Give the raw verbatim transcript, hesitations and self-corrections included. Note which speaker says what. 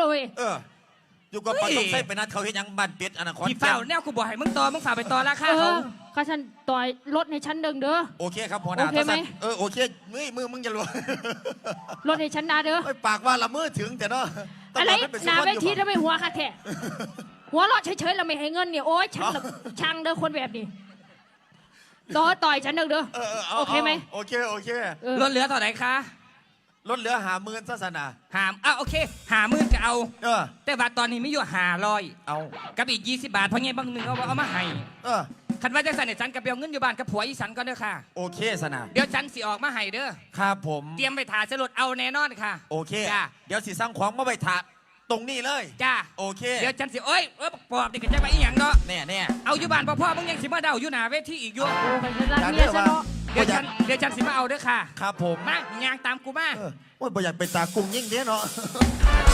Speaker 1: เว้ย
Speaker 2: เอออยู่กับปอยต้องใส่ไปนัดเขาเห็นยังบ้านเป็ดอนาคต
Speaker 3: ที่เฝ้าแนวกูบอกให้มึงต่อมึงฝ่าไปต่อราคาเขา
Speaker 1: ข้าฉันต่อยรถในชั้นเดิงเด้อ
Speaker 2: โอเคครับหัวหน้าโอเคไหมเออโอเคมือมือมึงจะรวย
Speaker 1: รถในชั้นนาเด้อ
Speaker 2: ปากว่าละมือถึงแต่เนาะ
Speaker 1: อะไรนาเวทีทำไมหัวค่ะแท้หัวรถเฉยๆเราไม่ให้เงินเนี่ยโอ๊ยฉันช่างเด้อคนแบบนี้ต่อต่อยฉันเด้อเด้อโอเคไหม
Speaker 2: โอเคโอเค
Speaker 3: รถเหลือเท่าไหร่คะ
Speaker 2: รถเหลือหาหมื่นศาสนา
Speaker 3: หามอ่ะโอเคหาหมื่นก็เอา
Speaker 2: เออ
Speaker 3: แต่บาทตอนนี้ไม่อยู่หาร้อย
Speaker 2: เอา
Speaker 3: กับอีกยี่สิบบาทเพราะไงบางหนึ่งเอาเอามาให้
Speaker 2: เออ
Speaker 3: คันว่าจังสันเนี่ยฉันกับเบลเงินอยู่บ้านกับผัวอีสันก็เด้อค่ะ
Speaker 2: โอเคสนา
Speaker 3: เดี๋ยวฉันสิออกมาให้เด้อ
Speaker 2: ครับผม
Speaker 3: เตรียมไปถ่ายสรุปเอาแน่นอนค่ะ
Speaker 2: โอเคจ้าเดี๋ยวสิสร้างของมาไปถ่ายตรงนี้เลย
Speaker 3: จ้า
Speaker 2: โอเค
Speaker 3: เดี๋ยวฉันสิเอ้ยเออปอบดิกันจะไปอีหยังเนาะ
Speaker 2: แน่แน่
Speaker 3: เอาอยู่บ้านพ่อพ่อมึงยังสิมาเดาอยู่หน้าเวทีอีกอยู่
Speaker 1: โอ้ยฉันรักเมียฉันเนาะ
Speaker 3: เดี๋ยวฉันเดี๋ยวฉันสิมาเอาเด้อค่ะ
Speaker 2: ครับผม
Speaker 3: มาย่างตามกูมา
Speaker 2: โอ้ยบ่อยากเป็นตากุ้งยิ่งเด้เนาะ